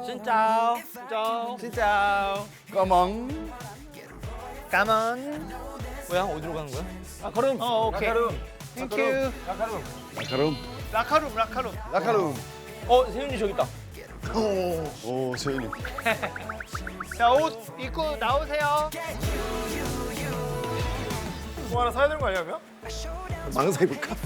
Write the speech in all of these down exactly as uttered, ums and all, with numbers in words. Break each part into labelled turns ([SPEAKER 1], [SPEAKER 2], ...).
[SPEAKER 1] Xin chào. Xin chào.
[SPEAKER 2] Xin chào.
[SPEAKER 3] 까망.
[SPEAKER 2] 까만.
[SPEAKER 1] 뭐야? 어디로 가는 거야?
[SPEAKER 2] 라카룸.
[SPEAKER 1] 어, 오케이.
[SPEAKER 2] 라카룸.
[SPEAKER 1] 땡큐.
[SPEAKER 2] 라카룸.
[SPEAKER 3] 라카룸.
[SPEAKER 2] 라카룸. 라카룸.
[SPEAKER 3] 라카룸.
[SPEAKER 1] 어, 세윤이 저기 있다.
[SPEAKER 3] 오, 오 세윤이.
[SPEAKER 2] 자, 옷 입고 나오세요. 뭐 하나 사야 되는 거 아니야, 그러면?
[SPEAKER 3] 망사 입을까?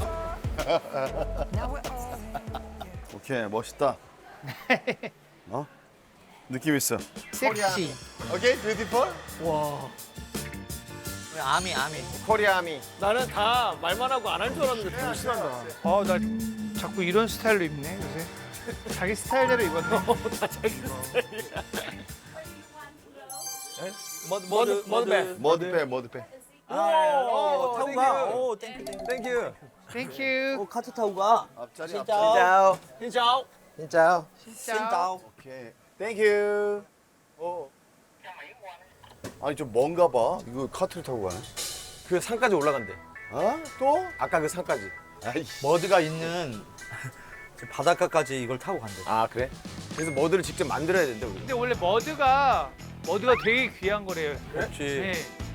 [SPEAKER 3] 오케이, 멋있다. 어? 느낌 있어.
[SPEAKER 2] 섹시.
[SPEAKER 3] 오케이, 뷰티풀.
[SPEAKER 1] 와. 아미, 아미.
[SPEAKER 2] 코리아미.
[SPEAKER 1] 나는 다 말만 하고 안 할 줄 알았는데 되게 심한다.
[SPEAKER 2] 어, 나 자꾸 이런 스타일로 입네, 요새. 자기 스타일대로 입었네.
[SPEAKER 1] 다 자기 스타일이야. 머드, 머드, 머드백.
[SPEAKER 3] 머드빼, 머드빼.
[SPEAKER 1] 오, 타고 가. 오,
[SPEAKER 2] 땡큐.
[SPEAKER 1] 땡큐.
[SPEAKER 2] 땡큐.
[SPEAKER 1] 오, 카트 타고 가.
[SPEAKER 3] 앞자리,
[SPEAKER 1] 진짜.
[SPEAKER 3] 앞자리.
[SPEAKER 2] 짜오.
[SPEAKER 1] 신짜오.
[SPEAKER 2] 진짜요.
[SPEAKER 1] 신짜오.
[SPEAKER 3] 오케이. 땡큐. 어. 아니 좀 먼가 봐. 이거 카트를 타고 가네.
[SPEAKER 4] 그 산까지 올라간대.
[SPEAKER 3] 어? 또?
[SPEAKER 4] 아까 그 산까지.
[SPEAKER 3] 아이씨.
[SPEAKER 4] 머드가 있는 저 바닷가까지 이걸 타고 간대.
[SPEAKER 3] 아 그래?
[SPEAKER 4] 그래서 머드를 직접 만들어야 된대 우리.
[SPEAKER 2] 근데 원래 머드가 머드가 되게 귀한 거래요.
[SPEAKER 4] 그렇지.
[SPEAKER 2] 네.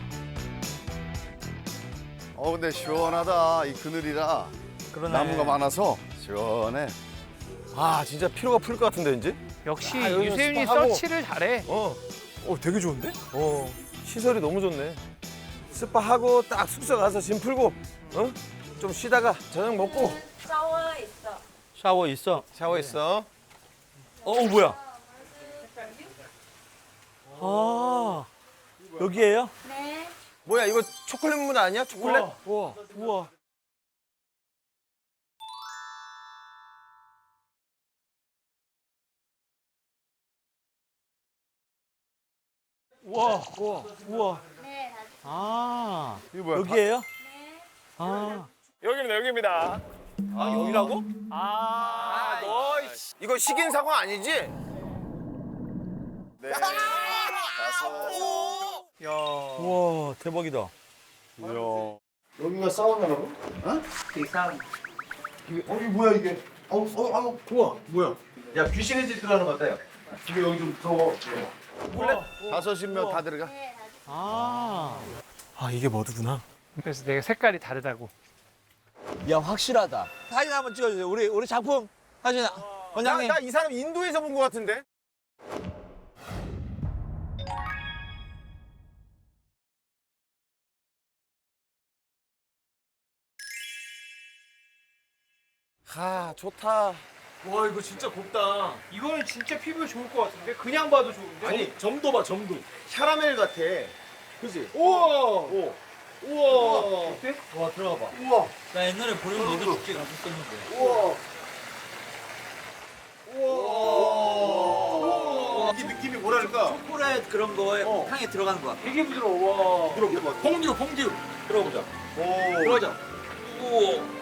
[SPEAKER 3] 어 근데 시원하다. 이 그늘이라
[SPEAKER 4] 그러네.
[SPEAKER 3] 나무가 많아서 시원해.
[SPEAKER 4] 아 진짜 피로가 풀릴 것 같은데 왠지?
[SPEAKER 2] 역시
[SPEAKER 4] 아, 여기서
[SPEAKER 2] 유세윤이
[SPEAKER 4] 스파하고.
[SPEAKER 2] 서치를 잘해.
[SPEAKER 4] 어. 어 되게 좋은데? 어. 시설이 너무 좋네. 스파하고 딱 숙소 가서 짐 풀고, 어? 좀 쉬다가 저녁 먹고.
[SPEAKER 5] 샤워 있어.
[SPEAKER 4] 샤워 있어. 샤워 있어. 어, 어 뭐야? 아 여기에요?
[SPEAKER 5] 네.
[SPEAKER 4] 뭐야 이거 초콜릿 물 아니야? 초콜릿? 우와. 우와. 우와. 우와. 우와.
[SPEAKER 5] 네, 다
[SPEAKER 4] 아
[SPEAKER 3] 이거 뭐야?
[SPEAKER 4] 여기에요?
[SPEAKER 5] 네.
[SPEAKER 4] 아.
[SPEAKER 2] 여기입니다. 여기입니다.
[SPEAKER 4] 아 여기라고?
[SPEAKER 2] 아, 너
[SPEAKER 4] 이거 식인 사과 아니지?
[SPEAKER 3] 네. 다섯.
[SPEAKER 2] 야.
[SPEAKER 4] 우와 대박이다.
[SPEAKER 3] 이야. 여기가 사우나라고? 어?
[SPEAKER 2] 이상.
[SPEAKER 3] 이게 어 이게 뭐야 이게? 어, 어, 어, 우와, 뭐야?
[SPEAKER 4] 야 귀신의 집 들어가는 것 같아요.
[SPEAKER 3] 이게 여기 좀 더워. 다섯이면 다 들어가.
[SPEAKER 5] 네, 다
[SPEAKER 4] 아. 아 이게 머드구나.
[SPEAKER 2] 그래서 내가 색깔이 다르다고.
[SPEAKER 1] 야, 확실하다. 사진 한번 찍어주세요. 우리, 우리 작품 사진. 원장님.
[SPEAKER 4] 나 이 사람 인도에서 본 것 같은데? 아 좋다.
[SPEAKER 1] 와, 이거 진짜 곱다.
[SPEAKER 2] 이거는 진짜 피부에 좋을 것 같은데? 그냥 봐도 좋은데?
[SPEAKER 1] 아니, 점도 봐, 점도.
[SPEAKER 4] 캐러멜 같아.
[SPEAKER 1] 그지?
[SPEAKER 2] 우와!
[SPEAKER 4] 오.
[SPEAKER 2] 우와! 어때?
[SPEAKER 1] 와, 들어가 봐.
[SPEAKER 3] 우와,
[SPEAKER 1] 나 옛날에 보령 너도 축제 갔었었는데.
[SPEAKER 3] 우와.
[SPEAKER 1] 우와.
[SPEAKER 3] 이 느낌이 뭐랄까?
[SPEAKER 1] 초콜릿 그런 거에
[SPEAKER 3] 어.
[SPEAKER 1] 향에 들어가는 거야.
[SPEAKER 2] 되게 부드러워. 와.
[SPEAKER 3] 들어봐.
[SPEAKER 1] 퐁듀, 퐁듀. 들어보자.
[SPEAKER 3] 오.
[SPEAKER 1] 들어가자. 우와.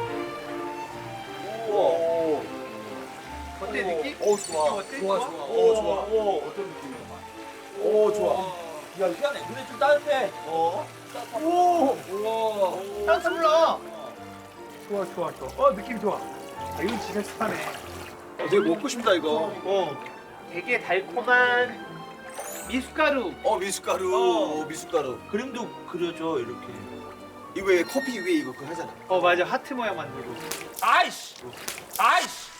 [SPEAKER 3] 오.
[SPEAKER 2] 어때, 느낌?
[SPEAKER 3] 오, 좋아.
[SPEAKER 2] 어때?
[SPEAKER 1] 좋아, 좋아.
[SPEAKER 3] 오, 좋아. 오, 어떤 느낌이야? 오, 좋아.
[SPEAKER 1] 야, 희한해. 근데 좀 따뜻해.
[SPEAKER 3] 어?
[SPEAKER 2] 오!
[SPEAKER 1] 우와.
[SPEAKER 2] 따뜻 불러! 좋아, 좋아, 좋아. 어, 느낌 좋아. 아, 이건 진짜 좋다네.
[SPEAKER 1] 어, 되게 먹고 싶다, 이거.
[SPEAKER 2] 어. 되게 달콤한 미숫가루.
[SPEAKER 1] 어, 미숫가루. 어, 미숫가루. 그림도 그려줘, 이렇게.
[SPEAKER 4] 이거 왜 커피 위에 이거 그거 하잖아.
[SPEAKER 2] 어, 맞아. 하트 모양 만들고.
[SPEAKER 1] 아이씨! 아이씨!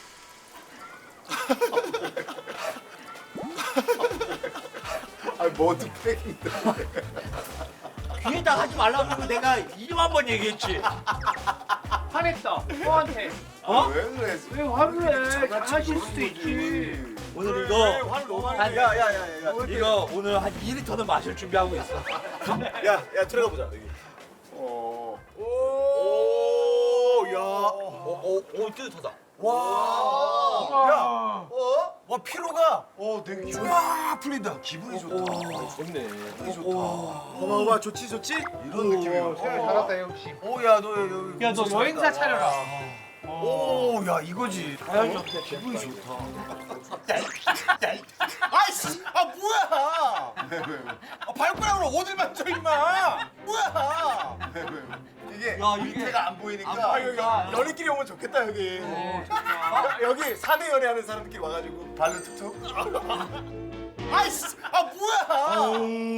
[SPEAKER 3] 아, 머드팩인데.
[SPEAKER 1] 귀에다 하지 말라고 내가 이만 번 얘기했지.
[SPEAKER 2] 화냈다. 너한테.
[SPEAKER 1] 어?
[SPEAKER 3] 왜 그래?
[SPEAKER 2] 왜 화를 내? 잘하실 수도 있지.
[SPEAKER 1] 오늘 이거
[SPEAKER 3] 화를 너무
[SPEAKER 1] 한-
[SPEAKER 3] 많이 내. 야, 야, 야, 야, 야.
[SPEAKER 1] 이거 오늘 한 이 리터는 마실 준비하고 있어.
[SPEAKER 4] 야, 야 들어가 보자. 여기.
[SPEAKER 3] 어.
[SPEAKER 4] 오, 야.
[SPEAKER 1] 오, 오, 오 뜨뜻하다.
[SPEAKER 4] 와.
[SPEAKER 2] 야.
[SPEAKER 4] 어? 와 피로가
[SPEAKER 3] 어, 되게 좋아.
[SPEAKER 4] 쫙 풀린다.
[SPEAKER 3] 기분이 좋다.
[SPEAKER 4] 좋네.
[SPEAKER 3] 기분이 좋다.
[SPEAKER 4] 봐봐, 봐, 좋지, 좋지?
[SPEAKER 3] 이런 느낌이야.
[SPEAKER 2] 세영 잘한다, 역시.
[SPEAKER 4] 오, 야, 너 여기.
[SPEAKER 2] 야, 너
[SPEAKER 4] 진짜
[SPEAKER 2] 여행사
[SPEAKER 4] 잘한다.
[SPEAKER 2] 차려라.
[SPEAKER 4] 오, 야, 이거지.
[SPEAKER 2] 자연스럽게.
[SPEAKER 4] 기분이 좋다. 아이씨, 아 뭐야?
[SPEAKER 3] 왜, 왜, 왜?
[SPEAKER 4] 아, 발가락으로 어딜 만져 임마? 뭐야?
[SPEAKER 3] 왜, 왜, 왜? 이게
[SPEAKER 1] 야, 이게
[SPEAKER 3] 밑에가 안 보이니까.
[SPEAKER 1] 안 보이니까.
[SPEAKER 3] 연인끼리 오면 좋겠다 여기.
[SPEAKER 2] 어,
[SPEAKER 3] 아, 여기 사내 연애하는 사람들끼리 와가지고 발로 툭툭. 아이씨, 아 뭐야?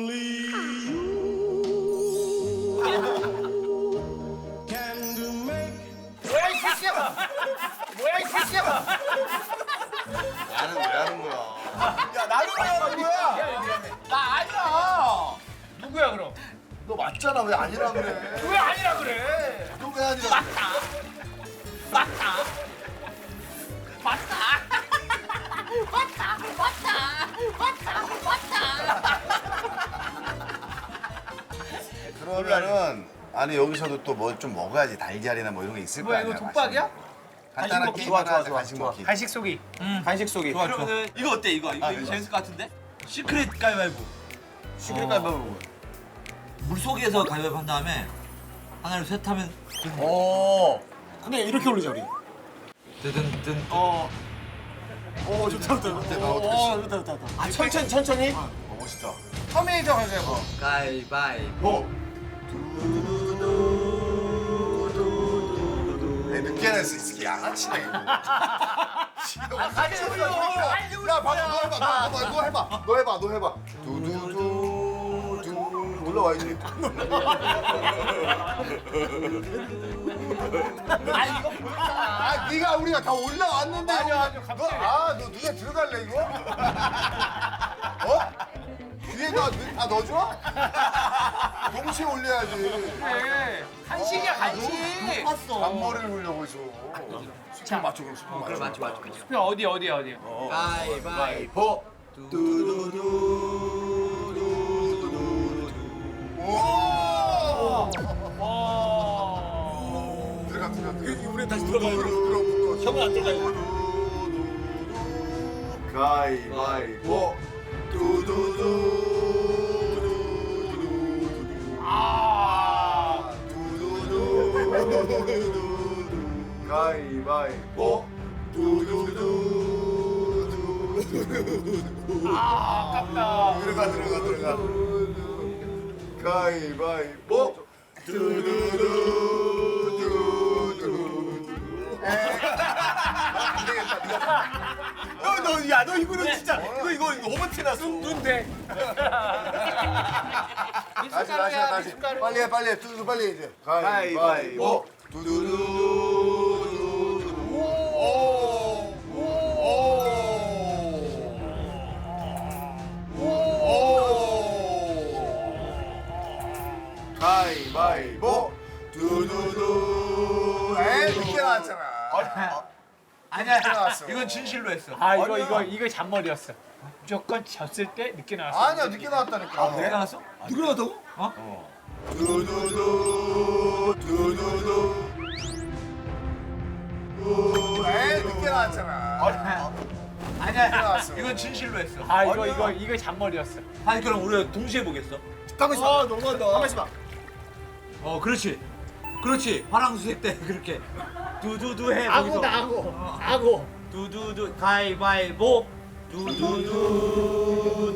[SPEAKER 3] 뭐야 이 새끼야? 뭐야 이 새끼야? 나는 왜 하는 거야? 야 나는 왜 하는 거야?
[SPEAKER 2] 나 아니야. 누구야 그럼?
[SPEAKER 3] 너 맞잖아 왜 아니라 그래?
[SPEAKER 2] 왜 아니라 그래?
[SPEAKER 3] 너 왜 아니라?
[SPEAKER 2] 맞다. 맞다. 맞다. 맞다. 맞다. 맞다.
[SPEAKER 3] 그러면은 아니 여기서도 또 뭐 좀 먹어야지 달걀이나 뭐 이런 게 있을 거
[SPEAKER 2] 뭐야
[SPEAKER 3] 아니야.
[SPEAKER 2] 이거 독박이야?
[SPEAKER 3] 간단한
[SPEAKER 1] 먹기.
[SPEAKER 3] 게임
[SPEAKER 1] 좋아,
[SPEAKER 3] 하나
[SPEAKER 1] 좋아,
[SPEAKER 3] 하자,
[SPEAKER 1] 좋아,
[SPEAKER 3] 간식
[SPEAKER 1] 좋아.
[SPEAKER 3] 먹기.
[SPEAKER 2] 간식 속이.
[SPEAKER 1] 간식 속이.
[SPEAKER 4] 좋아,
[SPEAKER 1] 그러면은 이거 어때 이거? 이거,
[SPEAKER 3] 아,
[SPEAKER 1] 이거
[SPEAKER 3] 이거.
[SPEAKER 1] 재밌을 것 같은데? 시크릿 가위바위보.
[SPEAKER 4] 시크릿
[SPEAKER 1] 어.
[SPEAKER 4] 가위바위보 뭐야?
[SPEAKER 1] 물 속에서 가위바위보 한 다음에 하나를 셋 하면
[SPEAKER 4] 어. 근데 이렇게 올리자 우리.
[SPEAKER 1] 뜨든뜬.
[SPEAKER 4] 어. 오 좋다 좋다.
[SPEAKER 3] 어때, 나
[SPEAKER 4] 어,
[SPEAKER 3] 어떻게
[SPEAKER 4] 어, 좋다 좋다 좋다. 아 천천히 천천히.
[SPEAKER 3] 어 멋있다.
[SPEAKER 4] 터미네이터 가위바위보.
[SPEAKER 1] 가위바위보.
[SPEAKER 3] 애 늦게 냈어 이 새끼 양아치네. 같이 올려. 야 방금 너 해봐. 너 해봐. 너 해봐. 너 해봐. 너 해봐. 두두두 두 올라와야지.
[SPEAKER 2] 아 이거 뭐야?
[SPEAKER 3] 아 네가 우리가 다 올라왔는데.
[SPEAKER 2] 아니야, 아니야, 갑자기.
[SPEAKER 3] 아너 눈에 들어갈래 이거? 어? 뒤에가 다 넣어줘? 동시에 올려야지.
[SPEAKER 2] 그래. 간식이야 간식.
[SPEAKER 1] 봤어.
[SPEAKER 3] 앞머리를 올려고 있어. 수평 맞춰 그럼 수평 맞춰.
[SPEAKER 1] 맞지 맞지.
[SPEAKER 2] 그 어디 어디 어디?
[SPEAKER 1] 가위바위보.
[SPEAKER 3] 오!
[SPEAKER 2] 와.
[SPEAKER 3] 들어가 들어가. 들어가.
[SPEAKER 4] 우리 다시 들어가요.
[SPEAKER 3] 들어가.
[SPEAKER 4] 형은 안 들어가요.
[SPEAKER 3] 가위바위보. 두두두.
[SPEAKER 2] 아.
[SPEAKER 3] 가위바위보. 두두두.
[SPEAKER 2] 아 아깝다.
[SPEAKER 3] 들어가 들어가 들어가. 가위바위보. 두두두. 안 되겠다. 네가
[SPEAKER 4] 너, 야, 너 이거는 진짜, 너 이거 너무 티났어.
[SPEAKER 2] 눈대.
[SPEAKER 3] 다시 다시 다시. 빨리 해 빨리 해. 두두 빨리 해, 이제. 가위바위보. 두두두. 오. 오. 가위바위보. 두두두. 에이 늦게 나왔잖아.
[SPEAKER 1] 아니야.
[SPEAKER 3] 나왔어.
[SPEAKER 1] 이건 진실로 했어.
[SPEAKER 2] 아 이거 이거 이거 잔머리였어. 무조건 졌을 때 늦게 나왔어.
[SPEAKER 3] 아니야 늦게 나왔다니까.
[SPEAKER 1] 왜 나갔어?
[SPEAKER 4] 누구 나왔다고?
[SPEAKER 3] 두두두. 두두두. 에이 늦게 나왔잖아.
[SPEAKER 1] 아니야.
[SPEAKER 3] 나왔어.
[SPEAKER 1] 이건 진실로 했어.
[SPEAKER 2] 아 이거 이거 이거 잔머리였어.
[SPEAKER 1] 아니 그럼 우리가 동시에 보겠어.
[SPEAKER 4] 가만 있어. 아, 너무한다. 가만 있어 봐.
[SPEAKER 1] 어, 그렇지. 그렇지. 파랑수색 때 그렇게 두두두 해.
[SPEAKER 2] 아고
[SPEAKER 1] 거기서.
[SPEAKER 2] 나고 아고.
[SPEAKER 1] 두두두 가위바위보. 두두두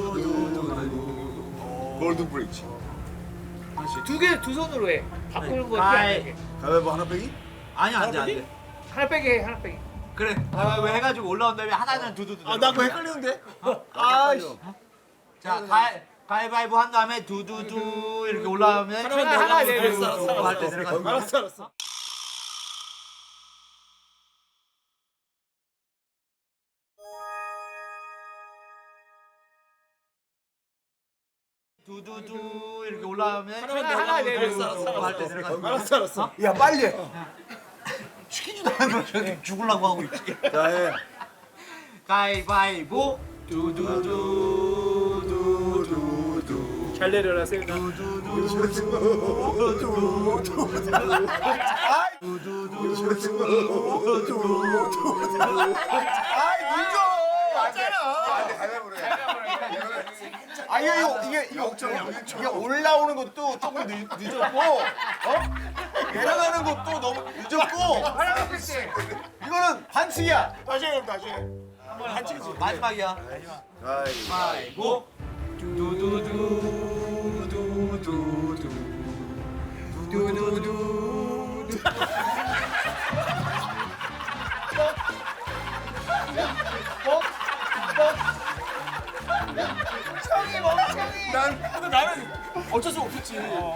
[SPEAKER 1] 두두두.
[SPEAKER 3] 골든 브릿지.
[SPEAKER 2] 두 개 두 손으로 해. 바꾸는 거
[SPEAKER 1] 가위.
[SPEAKER 2] 이렇게
[SPEAKER 3] 가위바위보 하나 빼기?
[SPEAKER 1] 아니 안 돼, 안 돼.
[SPEAKER 2] 하나 빼게 해, 하나 빼게.
[SPEAKER 1] 그래. 가위바위보 해가지고 올라온 다음에 하나는 두두두.
[SPEAKER 4] 아, 나 그거 헷갈리는데? 아, 씨.
[SPEAKER 1] 자, 가위 가위바위보 한 다음에 두두두 이렇게 올라오면
[SPEAKER 2] 하나, 하나 내려.
[SPEAKER 1] 알았어, 알았어, 할때 내려가는 거야.
[SPEAKER 4] 알았어, 알았어.
[SPEAKER 1] 두두두 이렇게 올라오면
[SPEAKER 2] 하나, 하나 내려.
[SPEAKER 1] 할때 내려가는 거야.
[SPEAKER 4] 알았어, 알았어. 야, 빨리 해.
[SPEAKER 1] 시키지도 않은 걸 저렇게 죽으려고 하고 있지.
[SPEAKER 4] 자, 해.
[SPEAKER 1] 가위바위보. 두두두 두두두.
[SPEAKER 2] 잘 내려라 세윤아.
[SPEAKER 3] 아이 늦어. 맞잖아. 안돼 가위바위보로 해.
[SPEAKER 4] 아, 이거, 이거, 이게, 이거, 이게 올라오는 것도 조금 늦, 늦었고, 어? 내려가는 것도 너무 늦었고,
[SPEAKER 2] 하나 빼지.
[SPEAKER 4] 이거는 반칙이야. 다시 해, 그럼 다시 해. 반칙이지.
[SPEAKER 1] 마지막이야.
[SPEAKER 3] 가위바위보.
[SPEAKER 1] 두두두 두두두.
[SPEAKER 4] 두두두. 난 나는 어쩔 수 없었지.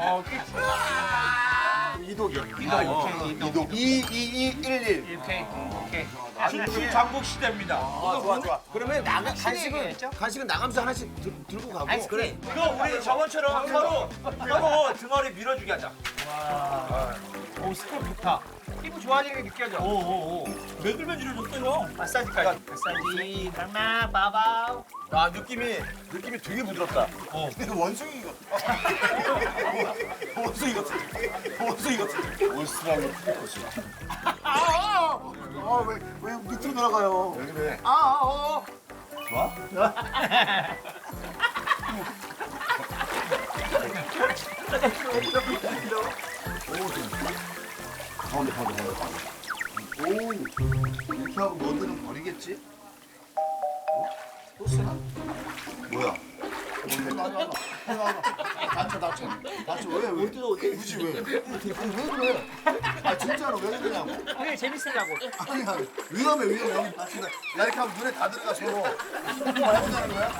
[SPEAKER 3] 이독이요. 이독. 이이이일일.
[SPEAKER 2] 오케이 오케이.
[SPEAKER 1] 춘추 장국 시대입니다.
[SPEAKER 4] 아, 좋아 좋아. 그러면 나가 간식은 간식은 나가면서 하나씩 들, 들고 가고.
[SPEAKER 1] 그래. 이거 우리 저번처럼 서로 서로 등어리 밀어주게 하자.
[SPEAKER 2] 오 스텝 좋다. 피부 좋아지는 게 느껴져.
[SPEAKER 1] 오오오. 매들면 이래줬어요.
[SPEAKER 2] 마사지까지. 마사지. 막 바바우.
[SPEAKER 4] 아 느낌이 느낌이 되게 부드럽다.
[SPEAKER 3] 어. 근데 원숭이 같아. 원숭이 같아. 원숭이 같아. 올스라고 트리코스. 아, 왜, 왜 밑으로 날아가요? 왜 그래? 아, 아, 어. 좋아? 가운데, 가운데, 가운데, 가운데. 오, 이렇게 하고 너들은 버리겠지? 어? 또 쓰나? 뭐야? 뭔데? 다쳐, 다쳐. 다쳐, 왜, 왜? 굳이 왜? 아니, 왜 그래? 아, 진짜로 왜 그러냐고.
[SPEAKER 2] 그게 재밌으려고.
[SPEAKER 3] 아니야, 위험해, 위험해. 나 진짜, 나 이렇게 하면 눈에 다 들어가, 서로. 뭐 해보자는 거야?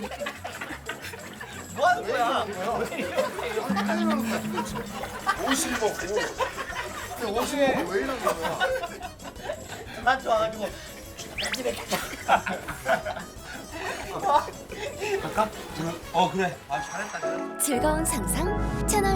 [SPEAKER 1] 뭐 하는 거야?
[SPEAKER 3] 하려는 거야, 도대체. 옷을 입었고. 근데 옷을 입고 왜 이러는 거야?
[SPEAKER 1] 나한테 와가지고. 어 그래. 아 잘했다. 잘했다.
[SPEAKER 5] 즐거운 상상 채널